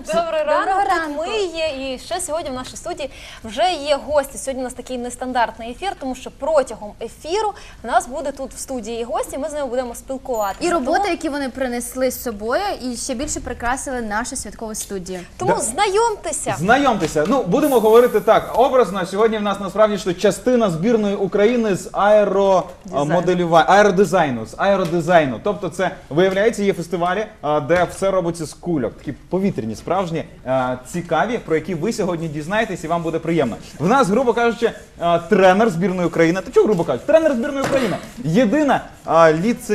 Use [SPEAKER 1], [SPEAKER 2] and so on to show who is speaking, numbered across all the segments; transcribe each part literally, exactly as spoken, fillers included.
[SPEAKER 1] Добрий ранок,
[SPEAKER 2] Доброго
[SPEAKER 1] тут
[SPEAKER 2] ранку.
[SPEAKER 1] ми є, і ще сьогодні в нашій студії вже є гості. Сьогодні у нас такий нестандартний ефір, тому що протягом ефіру в нас буде тут в студії гості, ми з ними будемо спілкуватися.
[SPEAKER 2] І роботи,
[SPEAKER 1] Тому,
[SPEAKER 2] які вони принесли з собою, і ще більше прикрасили нашу святкову студію.
[SPEAKER 1] тому
[SPEAKER 3] Да.
[SPEAKER 1] знайомтеся.
[SPEAKER 3] Знайомтеся. Ну, будемо говорити так, образно. Сьогодні в нас насправді що частина збірної України з аеромоделювання, аеродизайну, з аеродизайну. Тобто це, виявляється, є фестивалі, а, де все робиться з кульок. Такі повітряні, справжні, а, цікаві, про які ви сьогодні дізнаєтесь і вам буде приємно. В нас, грубо кажучи, а, тренер збірної України. Та чого грубо кажучи? Тренер збірної України. Єдина а,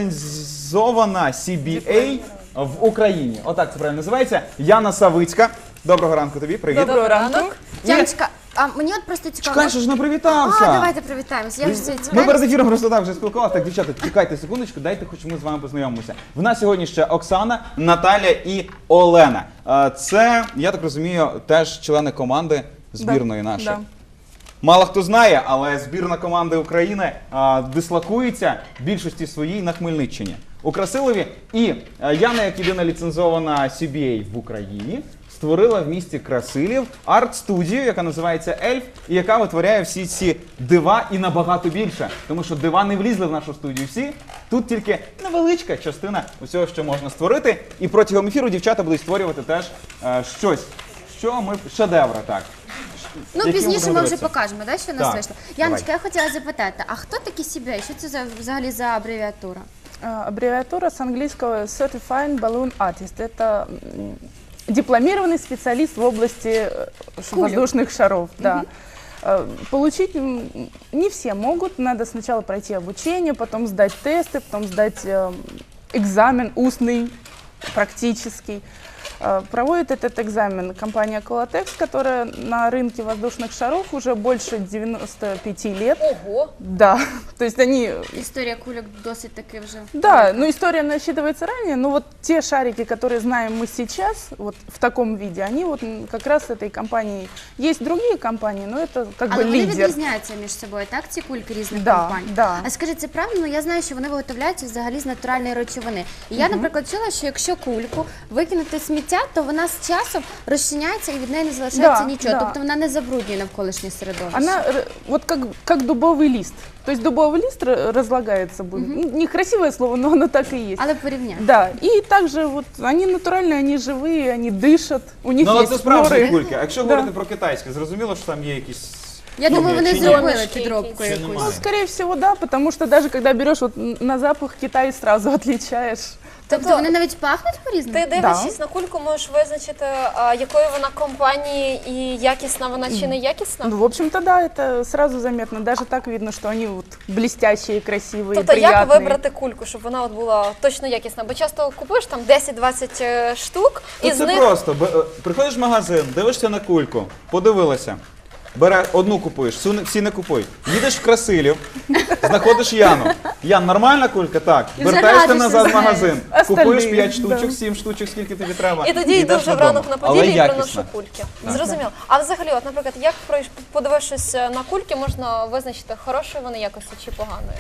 [SPEAKER 3] ліцензована сі бі ей в Україні. Отак це правильно називається. Яна Савицька. Доброго ранку тобі, привіт.
[SPEAKER 1] Доброго ранку.
[SPEAKER 2] Яночка, а мені от просто цікаво.
[SPEAKER 3] Чекай, що ж не привітався.
[SPEAKER 2] А, давайте привітаємося. Я ж це
[SPEAKER 3] Ми
[SPEAKER 2] цікаво.
[SPEAKER 3] перед ефіром просто так вже спілкувалися. Так, дівчата, чекайте секундочку, дайте хоч ми з вами познайомимося. В нас сьогодні ще Оксана, Наталя і Олена. Е, Це, я так розумію, теж члени команди збірної нашої.
[SPEAKER 4] Да.
[SPEAKER 3] Мало хто знає, але збірна команди України а, дислокується в більшості своїй на Хмельниччині, у Красилові. І а, Яна, як єдина ліцензована сі бі ей в Україні, створила в місті Красилів арт-студію, яка називається Ельф, і яка витворяє всі ці дива і набагато більше. Тому що дива не влізли в нашу студію всі. Тут тільки невеличка частина усього, що можна створити. І протягом ефіру дівчата будуть створювати теж е, щось, що ми шедеври, так.
[SPEAKER 2] Ну,
[SPEAKER 3] Які
[SPEAKER 2] пізніше
[SPEAKER 3] будемо
[SPEAKER 2] ми вже
[SPEAKER 3] дивитися?
[SPEAKER 2] покажемо, да, що у
[SPEAKER 3] Так,
[SPEAKER 2] нас вийшло. Яночка,
[SPEAKER 3] давай.
[SPEAKER 2] я хотіла запитати, а хто такі сі бі ей? Що це за, взагалі за абревіатура?
[SPEAKER 4] А, Аббревиатура с английского Certified Balloon Artist. Это м, дипломированный специалист в области э, ш-
[SPEAKER 2] Кулек.
[SPEAKER 4] воздушных шаров. Да. Э, Получить м, не все могут. Надо сначала пройти обучение, потом сдать тесты, потом сдать э, экзамен устный, практический. Э, Проводит этот экзамен компания Колотекс, которая на рынке воздушных шаров уже больше девяноста пяти лет.
[SPEAKER 1] Ого.
[SPEAKER 4] Да, то есть они...
[SPEAKER 2] Історія кульок досить таки вже.
[SPEAKER 4] Да, ну история насчитывается ранее, но вот те шарики, которые знаем мы сейчас, вот в таком виде, они вот м, как раз этой компании. Есть другие компании, но это как
[SPEAKER 2] Але
[SPEAKER 4] бы
[SPEAKER 2] вони
[SPEAKER 4] лидер.
[SPEAKER 2] відрізняються між собою, так, ці кульки різних
[SPEAKER 4] Да,
[SPEAKER 2] компаній?
[SPEAKER 4] да.
[SPEAKER 2] А скажіть, це правильно? Ну, я знаю, що вони виготовляються взагалі з натуральної речовини. І я, наприклад, чула, що якщо кульку викинути в сміття, то вона з часом розчиняється і від неї не залишається
[SPEAKER 4] Да,
[SPEAKER 2] нічого.
[SPEAKER 4] да.
[SPEAKER 2] Тобто вона не забруднює навколишнє середовище.
[SPEAKER 4] Она р- вот как, как дубовый лист. То есть дубовый лист р- разлагается будет. Ну, некрасивое слово, но оно так и есть.
[SPEAKER 2] Але порівняй.
[SPEAKER 4] Да, и также вот они натуральные, они живые, они дышат, у них
[SPEAKER 3] Ну, але
[SPEAKER 4] есть
[SPEAKER 3] це справжні
[SPEAKER 4] поры.
[SPEAKER 3] кульки. А якщо
[SPEAKER 4] Да.
[SPEAKER 3] говорити про китайське, зрозуміло, що там є якісь...
[SPEAKER 2] Я
[SPEAKER 3] Ну,
[SPEAKER 2] думаю, вони
[SPEAKER 3] чи ні?
[SPEAKER 2] зробили
[SPEAKER 1] Домішки
[SPEAKER 2] підробку
[SPEAKER 1] якісь.
[SPEAKER 2] якусь.
[SPEAKER 4] Ну, скорее всего, да, потому что даже когда берешь вот н- на запах Китай, сразу отличаешь.
[SPEAKER 2] Тобто вони навіть пахнуть по-різному?
[SPEAKER 1] Ти дивлячись на кульку, можеш визначити, а, якої вона компанії і якісна вона чи не якісна?
[SPEAKER 4] Ну, в общем-то, да, это сразу заметно. Даже так видно, что они вот блестящие, красивые,
[SPEAKER 1] Тобто
[SPEAKER 4] приятные.
[SPEAKER 1] як вибрати кульку, щоб вона от була точно якісна? Бо часто купуєш там десять-двадцять е, штук, і
[SPEAKER 3] Тут
[SPEAKER 1] з
[SPEAKER 3] це
[SPEAKER 1] них
[SPEAKER 3] просто. Б- е, Приходиш в магазин, дивишся на кульку, подивилася. Бере одну купуєш, всю не- всі не купуй. Їдеш в Красилів, знаходиш Яну. Ян, нормальна кулька? Так.
[SPEAKER 2] І вже
[SPEAKER 3] Вертаєшся
[SPEAKER 2] радишся
[SPEAKER 3] назад
[SPEAKER 2] з
[SPEAKER 3] в
[SPEAKER 2] нею.
[SPEAKER 3] магазин.
[SPEAKER 4] Остальні,
[SPEAKER 3] Купуєш п'ять
[SPEAKER 4] да.
[SPEAKER 3] штучок, сім штучок, скільки тобі треба.
[SPEAKER 1] і тоді йду
[SPEAKER 3] йдеш
[SPEAKER 1] вже
[SPEAKER 3] додому.
[SPEAKER 1] вранок на
[SPEAKER 3] Але
[SPEAKER 1] поділі і
[SPEAKER 3] якісна.
[SPEAKER 1] приношу кульки. Зрозуміло. А взагалі, от, наприклад, як пройш- подивившись на кульки, можна визначити, хорошої вони якості чи поганої?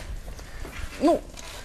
[SPEAKER 4] Ну,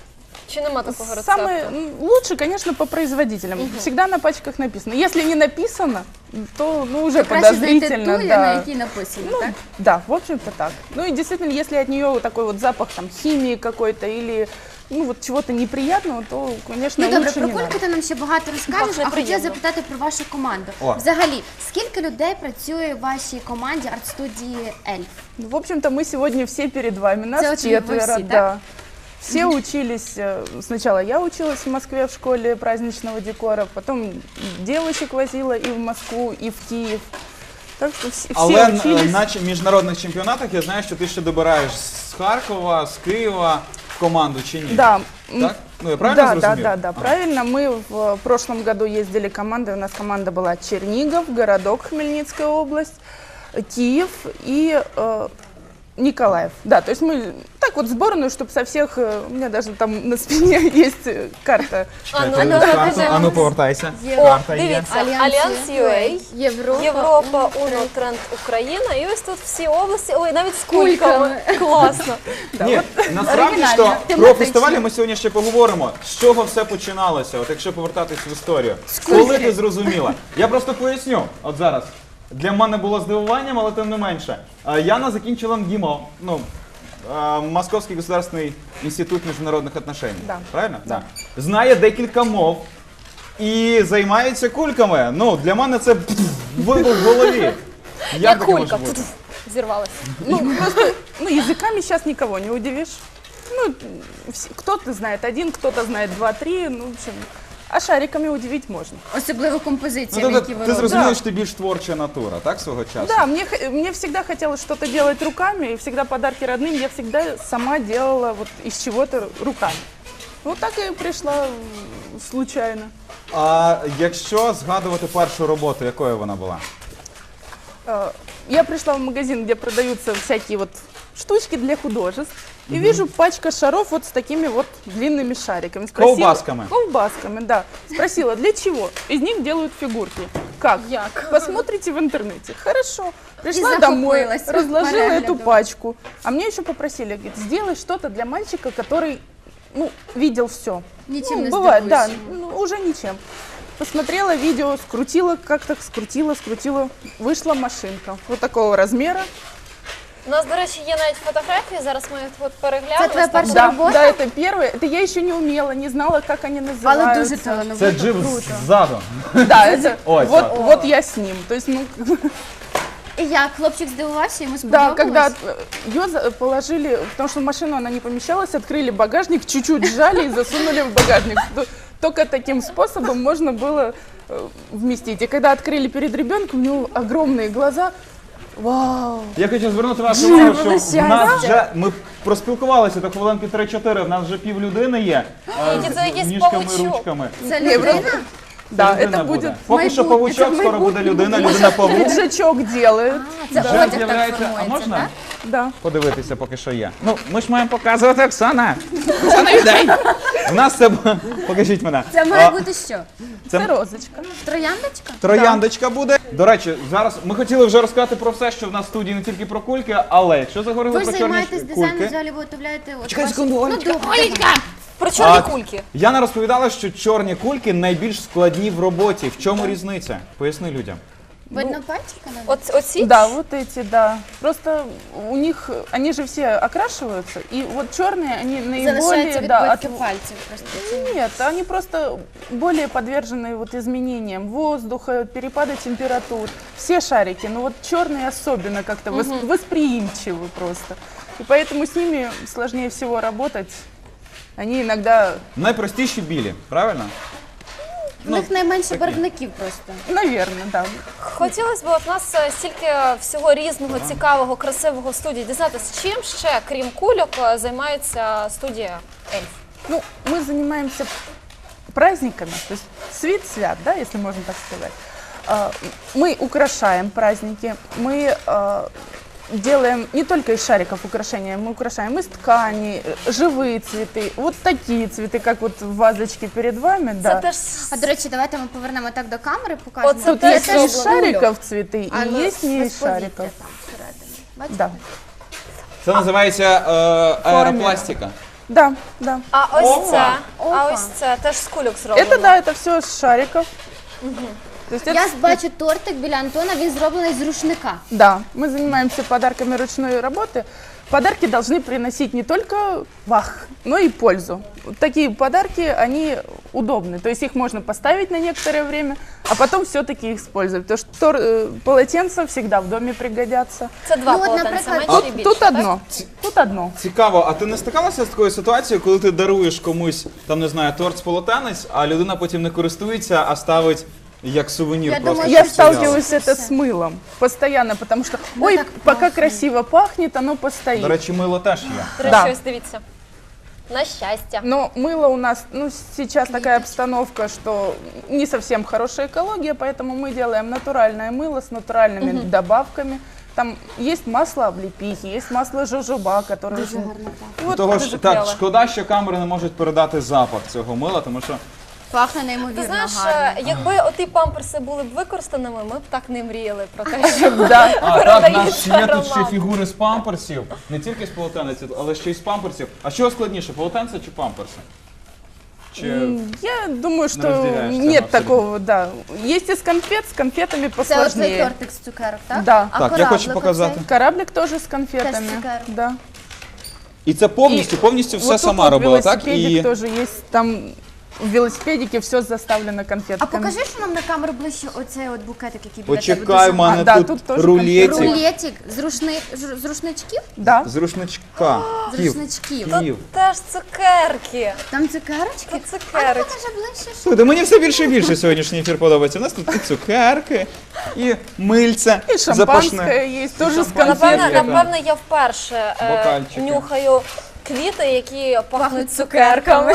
[SPEAKER 1] Чи нема такого рецепту?
[SPEAKER 4] самое м, лучше, конечно, по производителям. Всегда на пачках написано. Если не написано, то ну, уже
[SPEAKER 2] Краще знайти ту,
[SPEAKER 4] подозрительно.
[SPEAKER 2] на
[SPEAKER 4] Да.
[SPEAKER 2] якій написано,
[SPEAKER 4] Ну,
[SPEAKER 2] так?
[SPEAKER 4] да, в общем-то так. Ну и действительно, если от нее вот такой вот запах там химии какой-то или ну вот чего-то неприятного, то, конечно,
[SPEAKER 2] Ну добре,
[SPEAKER 4] лучше
[SPEAKER 2] про
[SPEAKER 4] не
[SPEAKER 2] кульки
[SPEAKER 4] надо.
[SPEAKER 2] ти нам ще багато розкажеш,
[SPEAKER 1] Пахне
[SPEAKER 2] а хотіла
[SPEAKER 1] приємно.
[SPEAKER 2] запитати про вашу команду.
[SPEAKER 3] О.
[SPEAKER 2] Взагалі, скільки людей працює в вашій команді арт-студії Ельф?
[SPEAKER 4] Ну, в общем-то, мы сегодня все перед вами, нас
[SPEAKER 2] Це от ви
[SPEAKER 4] четверо,
[SPEAKER 2] всі,
[SPEAKER 4] да.
[SPEAKER 2] так?
[SPEAKER 4] Все учились, э, сначала я училась в Москве в школе праздничного декора, потом девочек возила и в Москву, и в Киев. Так что все, все
[SPEAKER 3] Але н-
[SPEAKER 4] учились.
[SPEAKER 3] на ч- міжнародних чемпіонатах я знаю, що ти ще добираєш з Харкова, з Києва в команду чи ні?
[SPEAKER 4] Да. м,
[SPEAKER 3] Так? Ну, я правильно
[SPEAKER 4] да, да,
[SPEAKER 3] зрозумів?
[SPEAKER 4] да, да,
[SPEAKER 3] А.
[SPEAKER 4] правильно. Мы в э, прошлом году ездили командой, у нас команда была Чернигов, городок Хмельницкая область, Киев и э, Николаев. Да, то есть мы так вот сборную, чтобы со всех, э, у меня даже там на спине есть э, карта.
[SPEAKER 1] А, ну,
[SPEAKER 3] Чекайте,
[SPEAKER 1] ну,
[SPEAKER 3] карту.
[SPEAKER 1] ну,
[SPEAKER 3] А ну повертайся.
[SPEAKER 1] О,
[SPEAKER 3] Карта є.
[SPEAKER 1] дивіться,
[SPEAKER 2] Альянс
[SPEAKER 1] Альянс ю ей,
[SPEAKER 2] Європа.
[SPEAKER 1] Європа, Уно, Тренд, Україна. І ось тут всі області, ой, навіть з кульками. Класно.
[SPEAKER 3] Ні, насправді
[SPEAKER 2] оригінально,
[SPEAKER 3] що про
[SPEAKER 2] тематично.
[SPEAKER 3] фестивалі ми сьогодні ще поговоримо. З чого все починалося, от якщо повертатись в історію. Коли ти зрозуміла? Я просто поясню, от зараз. Для мене було здивуванням, але тим не менше. Е, Яна закінчила МГИМО, ну, е, Московський государственний інститут міжнародних отношень.
[SPEAKER 4] Да.
[SPEAKER 3] Правильно? Да. Знає декілька мов і займається кульками. Ну, для мене це пф, вибух в голові. Як
[SPEAKER 1] Як
[SPEAKER 3] таке може
[SPEAKER 1] кулька.
[SPEAKER 3] бути?
[SPEAKER 1] Зірвалася.
[SPEAKER 4] Ну, просто, ну, языками сейчас никого не удивишь. Ну, вс- кто-то знает один, кто-то знает два-три, ну, в общем, а шариками удивить можно.
[SPEAKER 2] Особливо
[SPEAKER 3] Ну,
[SPEAKER 2] композиціями,
[SPEAKER 3] тобто,
[SPEAKER 2] які ви
[SPEAKER 3] ти
[SPEAKER 2] робите.
[SPEAKER 3] зрозуміла,
[SPEAKER 4] Да.
[SPEAKER 3] що ти більш творча натура, так, свого часу?
[SPEAKER 4] Да, мне, х- мне всегда хотелось что-то делать руками, и всегда подарки родным я всегда сама делала вот из чего-то руками. Вот так и пришла м, случайно.
[SPEAKER 3] А якщо згадувати першу роботу, якою вона була?
[SPEAKER 4] Э, Я пришла в магазин, где продаются всякие вот штучки для художеств, и вижу пачка шаров вот с такими вот длинными шариками.
[SPEAKER 3] Колбасками.
[SPEAKER 4] Колбасками, да. Спросила, для чего? Из них делают фигурки. Как?
[SPEAKER 1] Як?
[SPEAKER 4] Посмотрите в интернете. Хорошо. Пришла
[SPEAKER 2] И
[SPEAKER 4] домой,
[SPEAKER 2] захопилась
[SPEAKER 4] разложила эту
[SPEAKER 2] переглядом.
[SPEAKER 4] пачку. А мне еще попросили, говорит, сделай что-то для мальчика, который, ну, видел все.
[SPEAKER 2] Нічим
[SPEAKER 4] Ну,
[SPEAKER 2] не
[SPEAKER 4] бывает, да,
[SPEAKER 2] здивуєш.
[SPEAKER 4] ну, уже ничем. Посмотрела видео, скрутила, как-то скрутила, скрутила. Вышла машинка вот такого размера.
[SPEAKER 1] У нас, до речі, є навіть фотографії, зараз ми їх от переглянемо.
[SPEAKER 2] Це твоя перша
[SPEAKER 4] Да,
[SPEAKER 2] работа?
[SPEAKER 4] да, это первое. Это я еще не умела, не знала, как они называются.
[SPEAKER 2] Але дуже
[SPEAKER 3] Це
[SPEAKER 2] талановито.
[SPEAKER 3] джип ззаду.
[SPEAKER 4] Да, это
[SPEAKER 3] Ой,
[SPEAKER 4] вот,
[SPEAKER 3] да.
[SPEAKER 4] вот я с ним. То есть, ну,
[SPEAKER 2] І як, хлопчик здивувався, йому
[SPEAKER 4] да,
[SPEAKER 2] сподобалось?
[SPEAKER 4] когда ее за- положили, потому что в машину она не помещалась, открыли багажник, чуть-чуть сжали и засунули в багажник. То- Только таким способом можно было э, вместить. И когда открыли перед ребенком, у него огромные глаза. Вау!
[SPEAKER 3] Я хочу звернути вашу увагу, що в
[SPEAKER 2] щастя.
[SPEAKER 3] нас вже, ми проспілкувалися до хвилинки три-чотири, в нас вже пів людини є. е,
[SPEAKER 1] Які
[SPEAKER 3] з
[SPEAKER 1] це якийсь
[SPEAKER 3] ніжками,
[SPEAKER 1] павучок.
[SPEAKER 3] ручками.
[SPEAKER 2] Це
[SPEAKER 4] Не,
[SPEAKER 2] людина?
[SPEAKER 4] Да,
[SPEAKER 3] Це людина
[SPEAKER 4] это будет...
[SPEAKER 3] Поки що
[SPEAKER 2] майбутнє,
[SPEAKER 3] павучок,
[SPEAKER 2] це
[SPEAKER 3] скоро буде
[SPEAKER 2] майбутнє.
[SPEAKER 3] людина, людина-павук.
[SPEAKER 4] Пиджачок делает.
[SPEAKER 2] Це
[SPEAKER 3] Вже
[SPEAKER 2] одяг так
[SPEAKER 3] з'являється. А
[SPEAKER 2] формується,
[SPEAKER 3] можна
[SPEAKER 2] так?
[SPEAKER 4] Да.
[SPEAKER 3] подивитися, поки що є? Ну, ми ж маємо показувати Оксана. Оксана, віддай! У нас це... Покажіть мене.
[SPEAKER 2] Це має
[SPEAKER 3] А,
[SPEAKER 2] бути що?
[SPEAKER 3] це
[SPEAKER 4] Это розочка.
[SPEAKER 2] Трояндочка?
[SPEAKER 3] Трояндочка буде. До речі, зараз ми хотіли вже розказати про все, що в нас в студії, не тільки про кульки, але якщо заговорили
[SPEAKER 2] Ви ж
[SPEAKER 3] про чорні
[SPEAKER 2] займаєтесь дизайном,
[SPEAKER 3] кульки.
[SPEAKER 2] взагалі ви виготовляєте... от
[SPEAKER 3] Чекай
[SPEAKER 2] ваші-
[SPEAKER 3] секунду,
[SPEAKER 2] Ну,
[SPEAKER 3] Олечка.
[SPEAKER 2] добре.
[SPEAKER 1] Про чорні
[SPEAKER 3] А,
[SPEAKER 1] кульки.
[SPEAKER 3] Яна розповідала, що чорні кульки найбільш складні в роботі. В чому різниця? Поясни людям.
[SPEAKER 2] Видно пальчика? навіть?
[SPEAKER 1] От, оці?
[SPEAKER 4] Да, вот эти, да. Просто у них, они же все окрашиваются, и вот черные, они наиболее,
[SPEAKER 2] Залишаються
[SPEAKER 4] да, от-
[SPEAKER 2] відбитки пальців просто.
[SPEAKER 4] Нет, они просто более подвержены вот изменениям воздуха, перепада температур. Все шарики, но вот черные особенно как-то вос- восприимчивы просто. И поэтому с ними сложнее всего работать. Они иногда,
[SPEAKER 3] Найпростіші білі, правильно?
[SPEAKER 2] У них найменше барвників просто.
[SPEAKER 4] наверное, да.
[SPEAKER 1] Хотілося б, от у нас е, стільки всього різного, цікавого, красивого в студії. Дізнатися, чим ще, крім кульок, е, займається студія Ельф?
[SPEAKER 4] Ну, мы занимаемся праздниками, то есть свит-свят, да, если можно так сказать. А, Мы украшаем праздники, мы а, делаем не только из шариков украшения, мы украшаем из ткани, э, живые цветы, вот такие цветы, как вот в вазочке перед вами,
[SPEAKER 1] Це
[SPEAKER 4] да.
[SPEAKER 1] теж
[SPEAKER 2] А до речі, давайте ми повернемо так до камери, покажемо.
[SPEAKER 1] Оце
[SPEAKER 4] Тут
[SPEAKER 1] теж
[SPEAKER 4] есть
[SPEAKER 1] зроблено.
[SPEAKER 4] из шариков цветы
[SPEAKER 2] А,
[SPEAKER 4] и
[SPEAKER 2] ну,
[SPEAKER 4] есть не
[SPEAKER 2] без
[SPEAKER 4] из
[SPEAKER 2] повітря
[SPEAKER 4] шариков.
[SPEAKER 2] там всередині. Бачите?
[SPEAKER 4] Да,
[SPEAKER 3] Це називається е, аеропластика.
[SPEAKER 4] да, да.
[SPEAKER 1] А ось
[SPEAKER 3] Опа.
[SPEAKER 1] це, а
[SPEAKER 2] Опа.
[SPEAKER 1] ось це теж з кульок зроблено.
[SPEAKER 4] Это, да, это все из шариков. То есть это
[SPEAKER 2] Я бачу тортик біля Антона, він зроблений з рушника.
[SPEAKER 4] Да, мы занимаемся подарками ручной работы. Подарки должны приносить не только вах, но и пользу. Вот такие подарки, они удобны. То есть их можно поставить на некоторое время, а потом все-таки их использовать. Потому что тор- э, полотенца всегда в доме пригодятся.
[SPEAKER 1] Це два
[SPEAKER 2] Ну, от,
[SPEAKER 1] полотенця,
[SPEAKER 2] наприклад,
[SPEAKER 1] менше і
[SPEAKER 4] Тут,
[SPEAKER 1] більше,
[SPEAKER 4] тут
[SPEAKER 1] так?
[SPEAKER 4] одно. Тут одно.
[SPEAKER 3] Цікаво, а ти не стикалася з такою ситуацією, коли ти даруєш комусь, там не знаю, торт з полотенець, а людина потім не користується, а ставить як сувенір
[SPEAKER 2] Я
[SPEAKER 3] просто.
[SPEAKER 2] думаю,
[SPEAKER 4] Я
[SPEAKER 3] щоб стояв?
[SPEAKER 4] сталкиваюсь это с мылом постоянно, потому что,
[SPEAKER 2] Да,
[SPEAKER 4] ой,
[SPEAKER 2] так
[SPEAKER 4] пока
[SPEAKER 2] пахнет.
[SPEAKER 4] красиво пахнет, оно постоит.
[SPEAKER 3] До речі, мило теж є.
[SPEAKER 1] До речі,
[SPEAKER 4] Да.
[SPEAKER 1] ось дивіться. На щастя.
[SPEAKER 4] Но мыло у нас, ну, сейчас такая обстановка, что не совсем хорошая экология, поэтому мы делаем натуральное мыло с натуральными добавками. Там есть масло облепихи, есть масло жожоба, которое
[SPEAKER 2] Дуже
[SPEAKER 4] очень...
[SPEAKER 2] гарно так.
[SPEAKER 4] Вот,
[SPEAKER 3] Того ж,
[SPEAKER 1] дуже
[SPEAKER 3] так,
[SPEAKER 1] кльово.
[SPEAKER 3] шкода, що камери не можуть передати запах цього мила, тому що
[SPEAKER 2] Пахне неймовірно
[SPEAKER 1] Ти знаєш,
[SPEAKER 2] гарно.
[SPEAKER 1] е, якби оті памперси були б використаними, ми б так не мріяли про те, що
[SPEAKER 4] Да.
[SPEAKER 3] А, так,
[SPEAKER 1] передається
[SPEAKER 3] в нас є тут ще
[SPEAKER 1] аромат.
[SPEAKER 3] фігури з памперсів, не тільки з полотенець, але ще й з памперсів. А що складніше, полотенце чи памперси? Чи...
[SPEAKER 4] М, Я думаю, что
[SPEAKER 3] разделяешь сам
[SPEAKER 4] нет
[SPEAKER 3] абсолютно.
[SPEAKER 4] такого, да. Есть из конфет, с конфетами
[SPEAKER 2] Це ось цей
[SPEAKER 4] посложнее.
[SPEAKER 2] тортик з цукерок, так?
[SPEAKER 4] Да.
[SPEAKER 2] А
[SPEAKER 3] Так, я хочу
[SPEAKER 2] кораблик
[SPEAKER 3] показати.
[SPEAKER 2] оцей?
[SPEAKER 4] Кораблик тоже с конфетами.
[SPEAKER 2] Теж цукерок.
[SPEAKER 4] Да.
[SPEAKER 3] І це повністю,
[SPEAKER 4] І
[SPEAKER 3] повністю все
[SPEAKER 4] вот тут
[SPEAKER 3] сама
[SPEAKER 4] вот
[SPEAKER 3] робила, так?
[SPEAKER 4] велосипедик
[SPEAKER 3] І
[SPEAKER 4] тоже есть, там в велосипедике все заставлено
[SPEAKER 2] А
[SPEAKER 4] конфетками.
[SPEAKER 2] покажи, що нам на камеру ближче оцей от букетик, який біля тебе.
[SPEAKER 3] почекай,
[SPEAKER 2] дуже
[SPEAKER 3] в мене
[SPEAKER 4] А, да,
[SPEAKER 3] тут,
[SPEAKER 4] тут теж
[SPEAKER 3] рулетик
[SPEAKER 2] Рулетик з, рушни... ж- з рушничків?
[SPEAKER 4] Да.
[SPEAKER 3] з рушничка.
[SPEAKER 2] З
[SPEAKER 3] Ків.
[SPEAKER 2] рушничків.
[SPEAKER 3] Ків.
[SPEAKER 1] теж цукерки.
[SPEAKER 2] Там цукерочки?
[SPEAKER 1] Тут
[SPEAKER 2] А ну
[SPEAKER 1] цукерочки.
[SPEAKER 2] покажи ближче. що-
[SPEAKER 3] Слухайте, мені все більше і більше сьогоднішній ефір подобається. У нас тут і цукерки, і мильце,
[SPEAKER 4] И
[SPEAKER 3] запашне.
[SPEAKER 4] шампанское есть, тоже с
[SPEAKER 3] шампанское.
[SPEAKER 1] Напевне,
[SPEAKER 3] Конфетки,
[SPEAKER 1] напевне, я вперше е,
[SPEAKER 3] Бокальчики.
[SPEAKER 1] нюхаю квіти, які пахнуть цукерками.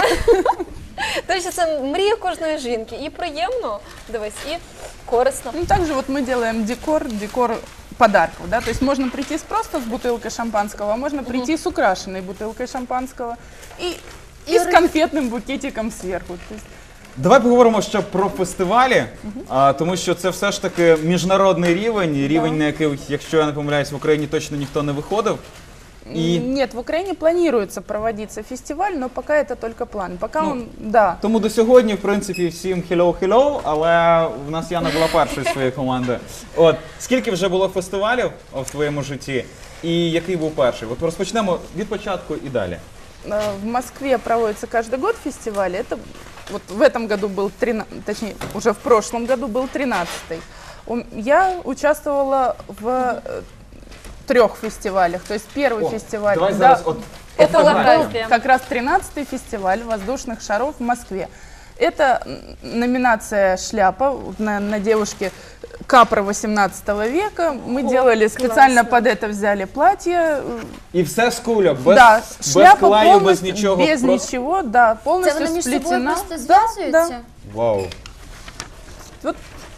[SPEAKER 1] До речі, це мрія кожної жінки. І приємно, дивись, і корисно.
[SPEAKER 4] Ну, также вот мы делаем декор, декор подарков, да, то есть можно прийти с просто с бутылкой шампанского, а можно прийти с украшенной бутылкой шампанского и, и,
[SPEAKER 2] И
[SPEAKER 4] с
[SPEAKER 2] ры-
[SPEAKER 4] конфетным букетиком сверху. То есть
[SPEAKER 3] Давай поговоримо ще про фестивалі, а, тому що це все ж таки міжнародний рівень, рівень, на який, якщо я не помиляюсь, в Україні точно ніхто не виходив. І
[SPEAKER 4] Нет, в Украине планируется проводиться фестиваль, но пока это только план. Пока
[SPEAKER 3] Ну,
[SPEAKER 4] он, да.
[SPEAKER 3] тому до сьогодні, в принципі, всім hello-hello, але в нас Яна була першою з своєї команди. От, скільки вже було фестивалів о, в твоєму житті, і який був перший? От розпочнемо від початку і далі.
[SPEAKER 4] Э, В Москве проводится каждый год фестиваль. Это вот в этом году был тринадцатый, точнее, уже в прошлом году был тринадцатый. Ум- Я участвовала в э, трех фестивалях. То есть первый
[SPEAKER 3] О,
[SPEAKER 4] фестиваль,
[SPEAKER 3] давай
[SPEAKER 4] да,
[SPEAKER 3] зараз от
[SPEAKER 1] Це
[SPEAKER 3] фотографію.
[SPEAKER 1] фотографія.
[SPEAKER 4] как раз тринадцатый фестиваль воздушных шаров в Москве. Это м, номинация «Шляпа» на, на девушке Капра восемнадцатого века. Мы
[SPEAKER 1] О,
[SPEAKER 4] делали специально
[SPEAKER 1] классно.
[SPEAKER 4] под это взяли платье. э,
[SPEAKER 3] І все з кульок, без,
[SPEAKER 4] да,
[SPEAKER 3] без
[SPEAKER 4] шляпа
[SPEAKER 3] клею, без
[SPEAKER 4] полностью,
[SPEAKER 3] нічого.
[SPEAKER 4] без
[SPEAKER 3] просто...
[SPEAKER 4] ничего, да,
[SPEAKER 2] Це
[SPEAKER 4] полностью
[SPEAKER 2] вони між собою
[SPEAKER 4] сплетена.
[SPEAKER 2] просто
[SPEAKER 4] Да,
[SPEAKER 2] зв'язуються?
[SPEAKER 4] да.
[SPEAKER 3] Вау.
[SPEAKER 4] Вот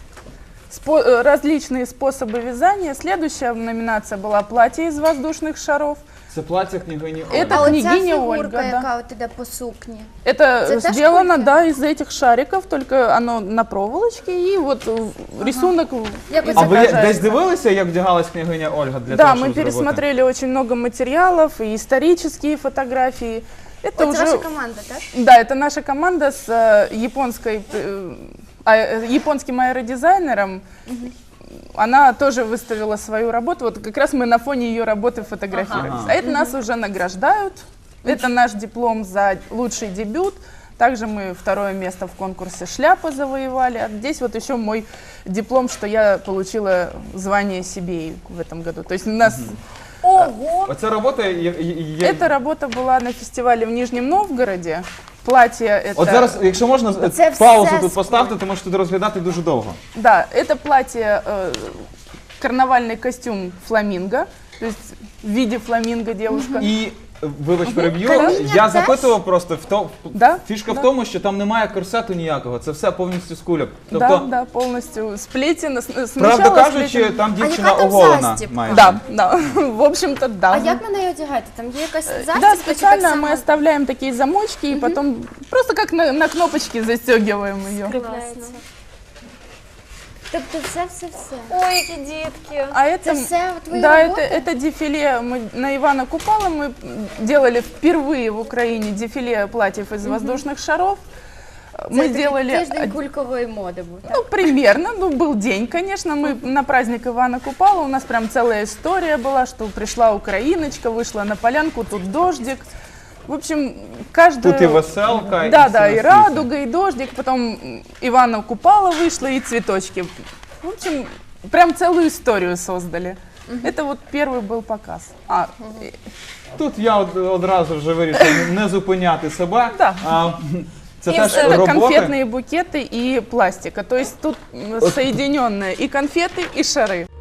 [SPEAKER 4] спо- э, различные способы вязания. Следующая номинация была «Платье из воздушных шаров».
[SPEAKER 3] Це плаття княгині Ольги.
[SPEAKER 4] Это
[SPEAKER 2] А оця
[SPEAKER 4] княгиня
[SPEAKER 2] фігурка,
[SPEAKER 4] Ольга, да.
[SPEAKER 2] яка от іде по сукні.
[SPEAKER 4] Это
[SPEAKER 2] Это та
[SPEAKER 4] сделано,
[SPEAKER 2] шкурка?
[SPEAKER 4] да, из этих шариков, только оно на проволочке, и вот э, рисунок
[SPEAKER 2] Як
[SPEAKER 4] из
[SPEAKER 3] А ви
[SPEAKER 4] изображается.
[SPEAKER 3] десь дивилися, як вдягалась княгиня Ольга для
[SPEAKER 4] Да,
[SPEAKER 3] того,
[SPEAKER 4] мы
[SPEAKER 3] щоб зробити?
[SPEAKER 4] пересмотрели очень много материалов, и исторические фотографии. Это
[SPEAKER 2] Це
[SPEAKER 4] уже...
[SPEAKER 2] ваша команда, так?
[SPEAKER 4] Да, это наша команда с э, японской, э, а- э, японским аэродизайнером. Она тоже выставила свою работу. Вот как раз мы на фоне ее работы фотографируемся.
[SPEAKER 3] Ага.
[SPEAKER 4] А это нас уже награждают. Это наш диплом за лучший дебют. Также мы второе место в конкурсе «Шляпа» завоевали. А здесь вот еще мой диплом, что я получила звание Сибири в этом году. То есть у нас
[SPEAKER 1] Ого!
[SPEAKER 3] Оця робота є, є, є...
[SPEAKER 4] эта работа была на фестивале в Нижнем Новгороде. Платье это...
[SPEAKER 3] От зараз, якщо можна,
[SPEAKER 2] Це
[SPEAKER 3] паузу
[SPEAKER 2] все
[SPEAKER 3] тут
[SPEAKER 2] з-
[SPEAKER 3] поставте, тому що тут розглядати дуже довго.
[SPEAKER 4] Да, это платье, э, карнавальный костюм фламинго, то есть в виде фламинго девушка.
[SPEAKER 3] І, вибач, переб'ю,
[SPEAKER 2] Каміння
[SPEAKER 3] я
[SPEAKER 2] теж?
[SPEAKER 3] запитував просто, в то,
[SPEAKER 4] Да,
[SPEAKER 3] фішка
[SPEAKER 4] да.
[SPEAKER 3] в тому, що там немає корсету ніякого, це все повністю з кульок.
[SPEAKER 4] Да,
[SPEAKER 3] Тобто,
[SPEAKER 4] да, полностью сплетено. с-
[SPEAKER 3] правда
[SPEAKER 4] Сначала
[SPEAKER 3] кажучи,
[SPEAKER 4] сплетено.
[SPEAKER 3] там
[SPEAKER 2] А
[SPEAKER 3] дівчина
[SPEAKER 2] яка там
[SPEAKER 3] оголена
[SPEAKER 2] застібка?
[SPEAKER 3] майже.
[SPEAKER 4] Да, да, в общем-то, да.
[SPEAKER 2] А як ви неї одягаєте? Там є якась застібка?
[SPEAKER 4] Да,
[SPEAKER 2] чи так
[SPEAKER 4] специально
[SPEAKER 2] само
[SPEAKER 4] мы оставляем такие замочки и потом просто как на, на кнопочке застегиваем ее.
[SPEAKER 2] кріпляється? Тобто це все-все.
[SPEAKER 1] Ой, які дітки!
[SPEAKER 4] А это,
[SPEAKER 2] Це все твої
[SPEAKER 4] да, это,
[SPEAKER 2] роботи?
[SPEAKER 4] это дефиле мы, на Ивана Купала мы делали впервые в Украине дефиле платьев из воздушных шаров. Мы
[SPEAKER 2] Це
[SPEAKER 4] делали
[SPEAKER 2] тиждень
[SPEAKER 4] од-
[SPEAKER 2] кулькової моди був, так?
[SPEAKER 4] Ну, примерно. Ну, был день, конечно. Мы на праздник Ивана Купала. У нас прям целая история была, что пришла украиночка, вышла на полянку, тут дождик. В общем, каждая...
[SPEAKER 3] Тут і веселка,
[SPEAKER 4] Да,
[SPEAKER 3] і
[SPEAKER 4] да,
[SPEAKER 3] все
[SPEAKER 4] и
[SPEAKER 3] на світі.
[SPEAKER 4] радуга, и дождик. Потом Ивана Купала вышла, и цветочки. В общем, прям целую историю создали. Это вот первый был показ. А, и-
[SPEAKER 3] Тут я од- одразу вже вирішив не зупиняти себе.
[SPEAKER 4] Да.
[SPEAKER 3] А, це
[SPEAKER 1] І
[SPEAKER 3] теж
[SPEAKER 1] все.
[SPEAKER 4] это
[SPEAKER 3] роботи.
[SPEAKER 4] конфетные букеты и пластика. То есть тут м, соединенные и конфеты, и шары.